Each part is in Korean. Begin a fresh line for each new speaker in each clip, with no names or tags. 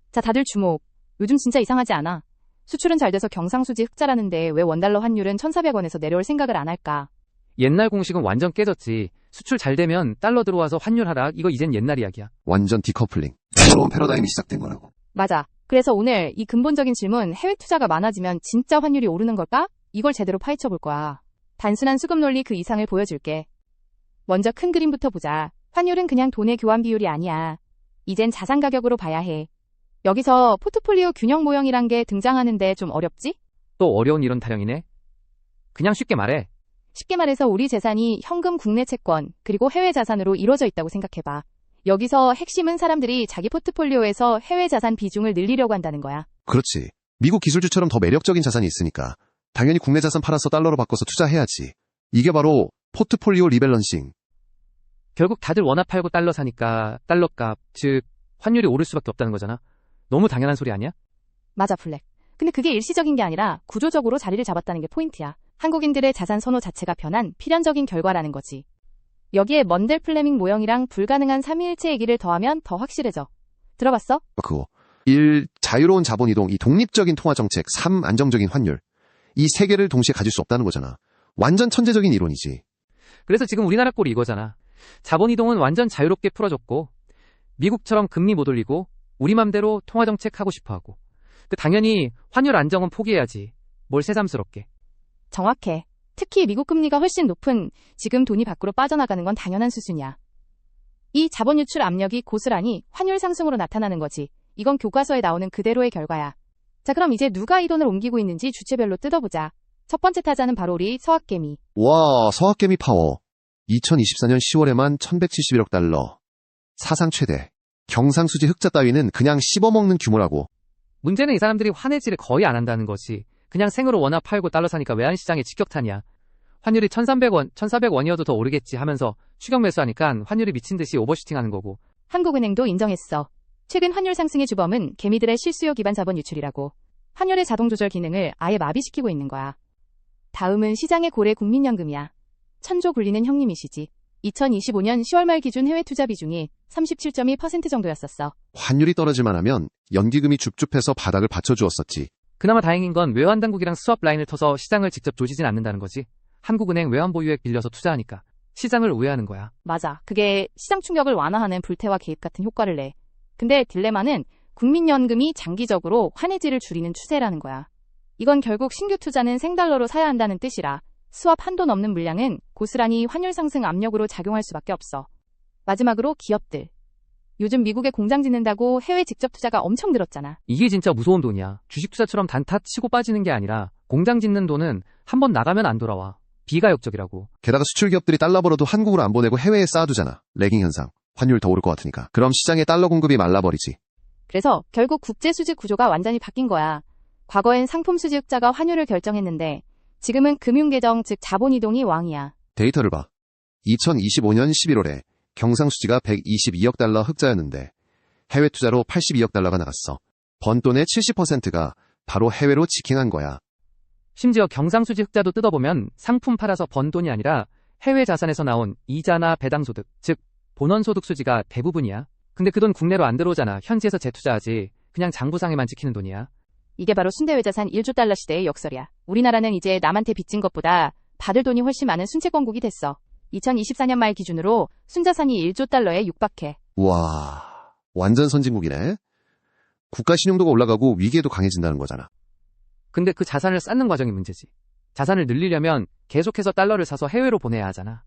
자, 다들 주목. 요즘 진짜 이상하지 않아? 수출은 잘 돼서 경상수지 흑자라는데 왜 원달러 환율은 1,400원에서 내려올 생각을 안 할까?
옛날 공식은 완전 깨졌지. 수출 잘 되면 달러 들어와서 환율 하락, 이거 이젠 옛날 이야기야.
완전 디커플링. 새로운 패러다임이 시작된 거라고.
맞아. 그래서 오늘 이 근본적인 질문, 해외 투자가 많아지면 진짜 환율이 오르는 걸까? 이걸 제대로 파헤쳐 볼 거야. 단순한 수급 논리 그 이상을 보여줄게. 먼저 큰 그림부터 보자. 환율은 그냥 돈의 교환 비율이 아니야. 이젠 자산 가격으로 봐야 해. 여기서 포트폴리오 균형 모형이란 게 등장하는데 좀 어렵지?
또 어려운 이론 타령이네. 그냥 쉽게 말해.
쉽게 말해서 우리 재산이 현금 국내 채권, 그리고 해외 자산으로 이루어져 있다고 생각해봐. 여기서 핵심은 사람들이 자기 포트폴리오에서 해외 자산 비중을 늘리려고 한다는 거야.
그렇지. 미국 기술주처럼 더 매력적인 자산이 있으니까 당연히 국내 자산 팔아서 달러로 바꿔서 투자해야지. 이게 바로 포트폴리오 리밸런싱.
결국 다들 원화 팔고 달러 사니까 달러 값, 즉 환율이 오를 수밖에 없다는 거잖아. 너무 당연한 소리 아니야?
맞아, 블랙. 근데 그게 일시적인 게 아니라 구조적으로 자리를 잡았다는 게 포인트야. 한국인들의 자산 선호 자체가 변한 필연적인 결과라는 거지. 여기에 먼델 플레밍 모형이랑 불가능한 삼위일체 얘기를 더하면 더 확실해져. 들어봤어?
그거. 1. 자유로운 자본 이동, 2. 독립적인 통화 정책, 3. 안정적인 환율. 이 세 개를 동시에 가질 수 없다는 거잖아. 완전 천재적인 이론이지.
그래서 지금 우리나라 꼴이 이거잖아. 자본 이동은 완전 자유롭게 풀어줬고 미국처럼 금리 못 올리고 우리 맘대로 통화정책 하고 싶어하고 당연히 환율 안정은 포기해야지. 뭘 새삼스럽게.
정확해. 특히 미국 금리가 훨씬 높은 지금 돈이 밖으로 빠져나가는 건 당연한 수준이야. 이 자본 유출 압력이 고스란히 환율 상승으로 나타나는 거지. 이건 교과서에 나오는 그대로의 결과야. 자, 그럼 이제 누가 이 돈을 옮기고 있는지 주체별로 뜯어보자. 첫 번째 타자는 바로 우리 서학개미.
와, 서학개미 파워. 2024년 10월에만 1171억 달러. 사상 최대. 경상수지 흑자 따위는 그냥 씹어먹는 규모라고.
문제는 이 사람들이 환해지를 거의 안 한다는 거지. 그냥 생으로 원화 팔고 달러 사니까 외환시장에 직격탄이야. 환율이 1,300원, 1,400원이어도 더 오르겠지 하면서 추격 매수하니까 환율이 미친 듯이 오버슈팅하는 거고.
한국은행도 인정했어. 최근 환율 상승의 주범은 개미들의 실수요 기반 자본 유출이라고. 환율의 자동 조절 기능을 아예 마비시키고 있는 거야. 다음은 시장의 고래 국민연금이야. 천조 굴리는 형님이시지. 2025년 10월 말 기준 해외 투자 비중이 37.2% 정도였었어.
환율이 떨어질만 하면 연기금이 줍줍해서 바닥을 받쳐주었었지.
그나마 다행인 건 외환당국이랑 스왑 라인을 터서 시장을 직접 조지진 않는다는 거지. 한국은행 외환보유액 빌려서 투자하니까 시장을 우회하는 거야.
맞아. 그게 시장 충격을 완화하는 불태화 개입 같은 효과를 내. 근데 딜레마는 국민연금이 장기적으로 환해지를 줄이는 추세라는 거야. 이건 결국 신규 투자는 생달러로 사야 한다는 뜻이라 스왑 한도 넘는 물량은 고스란히 환율 상승 압력으로 작용할 수밖에 없어. 마지막으로 기업들. 요즘 미국에 공장 짓는다고 해외 직접 투자가 엄청 늘었잖아.
이게 진짜 무서운 돈이야. 주식 투자처럼 단타 치고 빠지는 게 아니라 공장 짓는 돈은 한번 나가면 안 돌아와. 비가역적이라고.
게다가 수출 기업들이 달러 벌어도 한국으로 안 보내고 해외에 쌓아두잖아. 레깅 현상. 환율 더 오를 것 같으니까. 그럼 시장에 달러 공급이 말라버리지.
그래서 결국 국제 수지 구조가 완전히 바뀐 거야. 과거엔 상품 수지 흑자가 환율을 결정했는데 지금은 금융계정 즉 자본이동이 왕이야.
데이터를 봐. 2025년 11월에 경상수지가 122억 달러 흑자였는데 해외 투자로 82억 달러가 나갔어. 번 돈의 70%가 바로 해외로 직행한 거야.
심지어 경상수지 흑자도 뜯어보면 상품 팔아서 번 돈이 아니라 해외 자산에서 나온 이자나 배당소득, 즉 본원소득 수지가 대부분이야. 근데 그 돈 국내로 안 들어오잖아. 현지에서 재투자하지. 그냥 장부상에만 찍히는 돈이야. 이게
바로 순대외자산 1조 달러 시대의 역설이야. 우리나라는 이제 남한테 빚진 것보다 받을 돈이 훨씬 많은 순채권국이 됐어. 2024년 말 기준으로 순자산이 1조 달러에 육박해.
와, 완전 선진국이네. 국가 신용도가 올라가고 위기에도 강해진다는 거잖아.
근데 그 자산을 쌓는 과정이 문제지. 자산을 늘리려면 계속해서 달러를 사서 해외로 보내야 하잖아.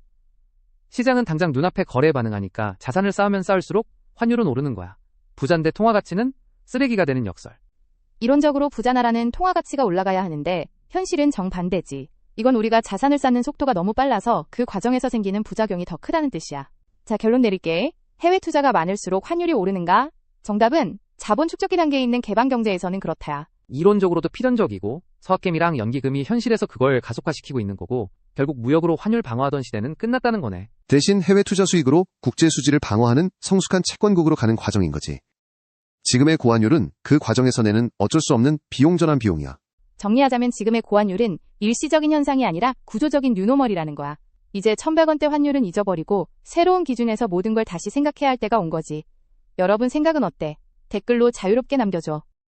시장은 당장 눈앞에 거래에 반응하니까 자산을 쌓으면 쌓을수록 환율은 오르는 거야. 부자인데 통화가치는 쓰레기가 되는 역설.
이론적으로 부자 나라는 통화가치가 올라가야 하는데 현실은 정반대지. 이건 우리가 자산을 쌓는 속도가 너무 빨라서 그 과정에서 생기는 부작용이 더 크다는 뜻이야. 자, 결론 내릴게. 해외 투자가 많을수록 환율이 오르는가? 정답은 자본 축적기 단계에 있는 개방경제에서는 그렇다야.
이론적으로도 필연적이고 서학개미랑 연기금이 현실에서 그걸 가속화시키고 있는 거고 결국 무역으로 환율 방어하던 시대는 끝났다는 거네.
대신 해외 투자 수익으로 국제 수지를 방어하는 성숙한 채권국으로 가는 과정인 거지. 지금의 고환율은 그 과정에서 내는 어쩔 수 없는 비용 전환 비용이야.
정리하자면 지금의 고환율은 일시적인 현상이 아니라 구조적인 뉴노멀이라는 거야. 이제 1,100원대 환율은 잊어버리고 새로운 기준에서 모든 걸 다시 생각해야 할 때가 온 거지. 여러분 생각은 어때? 댓글로 자유롭게 남겨줘.